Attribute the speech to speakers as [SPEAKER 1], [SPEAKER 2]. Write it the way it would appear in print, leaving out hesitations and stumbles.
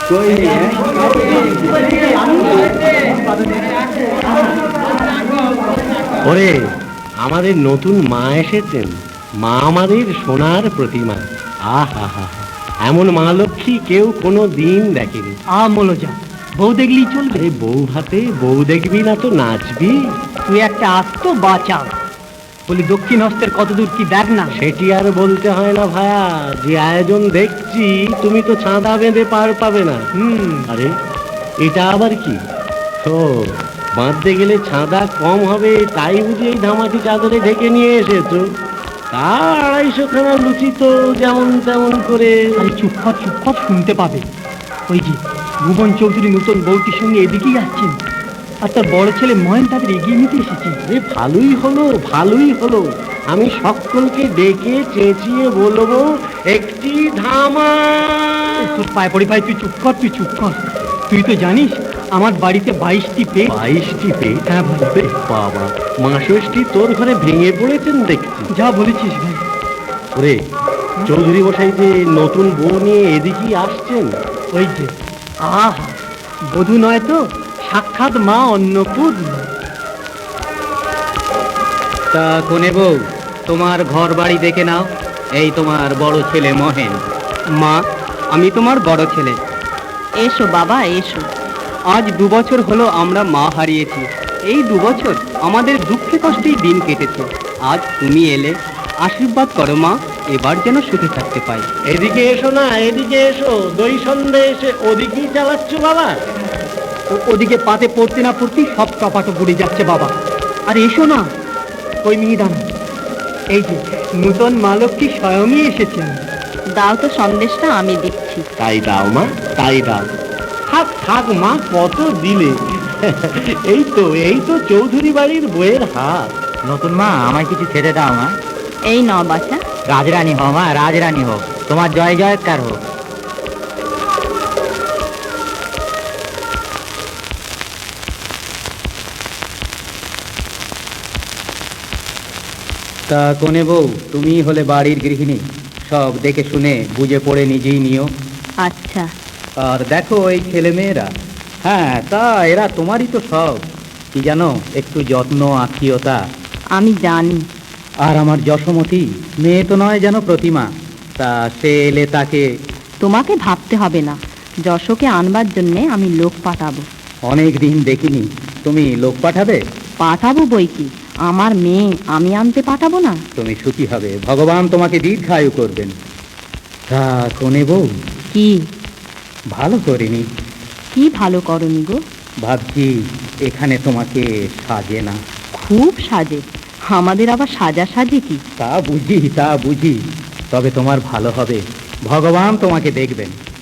[SPEAKER 1] ওরে, আমাদের নতুন মা এসেছেন। মা আমাদের সোনার প্রতিমা। আহা হা, এমন মা লক্ষ্মী কেউ কোনো দিন দেখেনি।
[SPEAKER 2] যা বউ দেখলি চলবে?
[SPEAKER 1] বউ হাতে বউ দেখবি না তো নাচবি?
[SPEAKER 2] তুই একটা আস্ত বাঁচা। বলি দক্ষিণ হস্তের কত দূর কি দেখ না।
[SPEAKER 1] সেটি আর বলতে হয় না ভায়া, যে আয়োজন দেখছি তুমি তো চাঁদা বেঁধে পার পাবে না। আরে এটা আবার কি? ও, বাঁধতে গেলে চাঁদা কম হবে তাই বুঝি এই ধামাটি চাদরে ঢেকে নিয়ে এসেছো? তা 250 খানা লুচি তো যেমন তেমন করে।
[SPEAKER 2] আরে চুপ কর, শুনতে পাবে। ওই যে ভুবন চৌধুরী নতুন বউটির সঙ্গে এদিকেই আসছেন, আর তার বড় ছেলে মহেন তাদের এগিয়ে নিতে এসেছে।
[SPEAKER 1] ভালোই হলো। আমি সকলকে ডেকে চেঁচিয়ে বলবো একটি ধামা।
[SPEAKER 2] তোর পায়ে পড়ি ভাই, তুই চুপ কর। তুই তো জানিস আমার বাড়িতে 22টি পেট।
[SPEAKER 1] 22টি পেট?
[SPEAKER 2] হ্যাঁ ভাই।
[SPEAKER 1] বাবা, মা-ষষ্ঠী তোর ঘরে ভেঙে পড়েছেন দেখছি।
[SPEAKER 2] যা বলেছিস ভাই।
[SPEAKER 1] ওরে, চৌধুরী মশাই যে নতুন বউ নিয়ে এদিকেই আসছেন।
[SPEAKER 2] ওই যে আহা, বধূ নয় তো, সাক্ষাৎ মা অন্নপূর্ণা।
[SPEAKER 3] তা কোনে বউ, তোমার ঘর বাড়ি দেখে নাও। এই তোমার বড় ছেলে মহেন। মা, আমি তোমার বড় ছেলে।
[SPEAKER 4] এসো বাবা এসো।
[SPEAKER 3] আজ 2 বছর হলো আমরা মা হারিয়েছি। এই 2 বছর আমাদের দুঃখে কষ্টেই দিন কেটেছে। আজ তুমি এলে, আশীর্বাদ করো মা, এবার যেন সুখে থাকতে পাই।
[SPEAKER 1] এদিকে এসো না, এদিকে এসো। দই সন্দেশ ওদিকেই চালাচ্ছ বাবা?
[SPEAKER 2] ওদিকে পাতে পড়তে না পড়তেই সব টপাটো পড়ে যাচ্ছে বাবা। আর এসো না, ওই মিহিদানা, এই যে নূতন মা লক্ষ্মী স্বয়ংই এসেছেন।
[SPEAKER 4] দাও তো সন্দেশটা, আমি দিচ্ছি।
[SPEAKER 1] তাই দাও মা, তাই দাও। থাক মা, কত দিলে। এই তো চৌধুরী বাড়ির বইয়ের হাত।
[SPEAKER 3] নতুন মা, আমায় কিছু খেতে দাও মা।
[SPEAKER 4] এই নাও বাছা।
[SPEAKER 3] রাজরানী হও মা, রাজরানী হোক, তোমার জয় জয়কার হোক। তা কোনে বউ, তুমি হলে বাড়ির গৃহিণী, সব দেখে শুনে বুঝে পড়ে নিজেই নিও।
[SPEAKER 4] আচ্ছা।
[SPEAKER 3] আর দেখো এই ছেলে মেয়েরা, হ্যাঁ তা এরা তোমারই তো সব। কি জানো, একটু যত্ন আত্মীয়তা।
[SPEAKER 4] আমি জানি।
[SPEAKER 3] আর আমার যশোমতী মেয়ে তো নয় যেন প্রতিমা। তা সে এলে তাকে।
[SPEAKER 4] তোমাকে ভাবতে হবে না, যশোকে আনবার জন্যে আমি লোক পাঠাবো।
[SPEAKER 3] অনেক দিন দেখিনি, তুমি লোক পাঠাবে?
[SPEAKER 4] পাঠাবো বই কি, আমার মেয়ে আমি আনতে পাঠাবো না?
[SPEAKER 3] তুমি সুখী হবে, ভগবান তোমাকে দীর্ঘায়ু করবেন। তা কোনে বউ,
[SPEAKER 4] কি
[SPEAKER 3] ভালো করিনি?
[SPEAKER 4] কি ভালো করনি গো?
[SPEAKER 3] ভাবছি এখানে তোমাকে সাজে না।
[SPEAKER 4] খুব সাজে, আমাদের আবার সাজা সাজে কি?
[SPEAKER 3] তা বুঝি, তবে তোমার ভালো হবে, ভগবান তোমাকে দেখবেন।